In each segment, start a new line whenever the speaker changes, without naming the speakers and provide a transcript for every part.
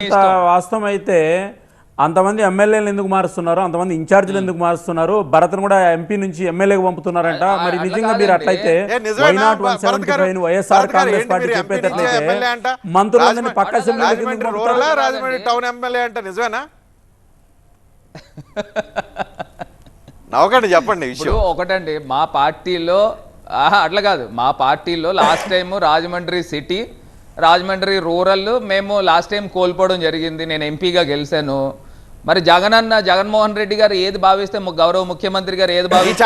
వాస్తవం అయితే అంతమంది ఎమ్మెల్యేలు ఎందుకు మారుస్తున్నారు, అంతమంది ఇన్ఛార్జీలు ఎందుకు మారుస్తున్నారు, భరత్ను కూడా ఎంపీ నుంచి ఎమ్మెల్యేకి పంపుతున్నారంట. మరి నిజంగా మీరు అట్లయితే వైఎస్ఆర్ కాంగ్రెస్ పార్టీ చెప్పేటట్లయితే మంత్రులందరినీ పక్క
రాజమండ్రి టౌన్ ఎమ్మెల్యే అంటే నిజమేనా? నవ్వకండి, చెప్పండి విషయం.
ఒకటండి, మా పార్టీలో అట్లా కాదు, మా పార్టీలో last time Rajahmundry city, Rajahmundry rural మేము లాస్ట్ టైం కోల్పోవడం జరిగింది. నేను ఎంపీగా గెలిచాను. మరి జగన్మోహన్ రెడ్డి గారు ఏది భావిస్తే గౌరవ ముఖ్యమంత్రి గారు ఏది భావిస్తే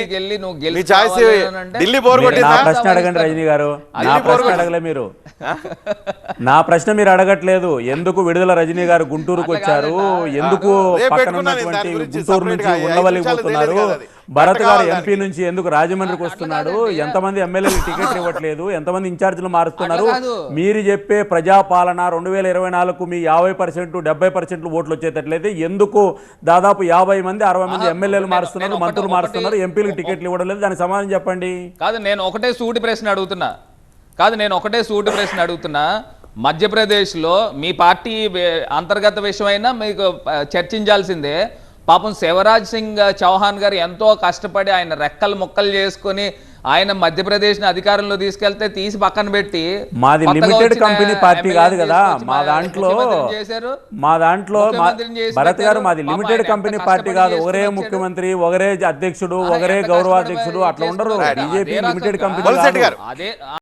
ప్రశ్న అడగండి రజనీ గారు. నా ప్రశ్న అడగలే మీరు, నా ప్రశ్న మీరు అడగట్లేదు. ఎందుకు విడుదల రజనీ గారు గుంటూరుకు వచ్చారు, ఎందుకు పక్కన ఉన్నటువంటి గుంటూరు నుంచి ఉండవల్లికి పోతున్నారు, భరత్ గారు ఎంపీ నుంచి ఎందుకు రాజమండ్రికి వస్తున్నాడు, ఎంతమంది ఎమ్మెల్యేలు టికెట్లు ఇవ్వట్లేదు, ఎంతమంది ఇన్ఛార్జీలు మారుస్తున్నారు, మీరు చెప్పే ప్రజాపాలన 2024కు మీ 50% 70% ఓట్లు వచ్చేటట్లయితే ఎందుకు దాదాపు 50 మంది 60 మంది ఎమ్మెల్యేలు మారుస్తున్నారు, మంత్రులు మారుస్తున్నారు, ఎంపీలకు టికెట్లు ఇవ్వడం లేదు? దానికి సమాధానం చెప్పండి.
నేను ఒకటే సూటి ప్రశ్న అడుగుతున్నా. మధ్యప్రదేశ్లో మీ పార్టీ అంతర్గత విషయమైనా మీకు చర్చించాల్సిందే. పాపం శివరాజ్ సింగ్ చౌహాన్ గారు ఎంతో కష్టపడి ఆయన రెక్కలు ముక్కలు చేసుకుని ఆయన మధ్యప్రదేశ్ ని అధికారంలో తీసుకెళ్తే తీసి పక్కన పెట్టి,
మాది లిమిటెడ్ కంపెనీ పార్టీ కాదు కదా, మా దాంట్లో భరత్ గారు మాది లిమిటెడ్ కంపెనీ పార్టీ కాదు. ఒకరే ముఖ్యమంత్రి, ఒకరే అధ్యక్షుడు, ఒకరే గౌరవాధ్యక్షుడు అట్లా ఉండరు. BJP limited company.